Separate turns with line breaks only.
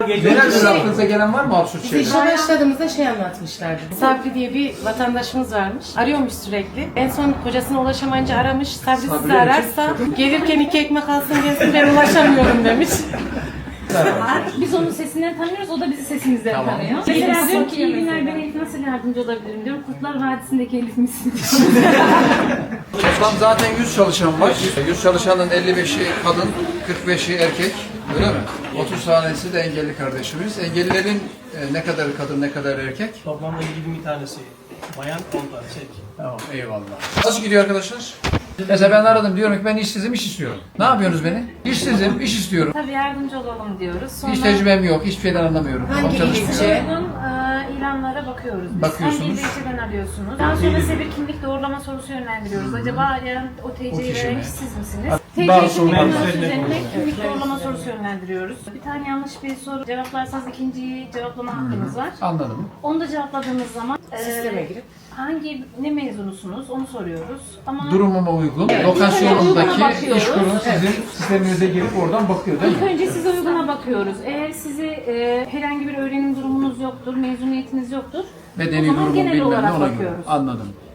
Genelde aklınıza gelen var mı absürt
Biz işe
şeyler?
başladığımızda şey anlatmışlardı. Sabri diye bir vatandaşımız varmış. Arıyormuş sürekli. En son kocasına ulaşamayınca aramış. Sabri sizi ararsa gelirken 2 ekmek alsın gelsin ben ulaşamıyorum demiş.
Biz onun sesinden tanıyoruz, o da bizi sesimizden
Tamam.
tanıyor. Mesela diyor ki iyi günler, ben Elif nasıl yardımcı olabilirim diyorum. Kurtlar Vadisi'ndeki Elif misin?
Toplam zaten 100 çalışan var. 100 çalışanın 55'i kadın, 45'i erkek. Öyle mi? 30 tanesi de engelli kardeşimiz. Engellilerin ne kadar kadın, ne kadar erkek?
Toplamda 20 tanesi bayan, 10 tanesi erkek.
Tamam, eyvallah. Nasıl gidiyor arkadaşlar? Mesela ben aradım, diyorum ki ben işsizim, iş istiyorum. Ne yapıyorsunuz beni? İşsizim, iş istiyorum.
Tabii yardımcı olalım diyoruz. Sonra
Hiç tecrübem yok, hiçbir şeyden anlamıyorum.
Hangi
Kafam çalışmıyor.
ilçe?
uygun ilanlara bakıyoruz biz.
Bakıyorsunuz.
Hangi ilçeden arıyorsunuz? Daha sonra size bir kimlik doğrulama sorusu yönlendiriyoruz. Acaba yani o
O
TC'yi
kişi
veren
mi?
kişi siz misiniz?
Bazı
TC kimlik
sorular-
numarası üzerine kimlik doğrulama sorusu yönlendiriyoruz. Bir tane yanlış bir soru cevaplarsanız ikinciyi cevaplama hakkınız var.
Anladım.
Onu da cevapladığınız zaman
Sisteme girip.
ne mezunusunuz onu soruyoruz. Ama
Durumuma uygun.
Evet.
Lokasyonundaki
Uyguna bakıyoruz.
iş kurumu sizin sisteminize girip oradan bakıyor değil
İlk
mi?
önce size uyguna bakıyoruz. Eğer herhangi bir öğrenim durumunuz yoktur, mezuniyetiniz yoktur,
Bedeni
o zaman
durumu
genel
bilmem ne
olarak
ona göre.
bakıyoruz.
Anladım.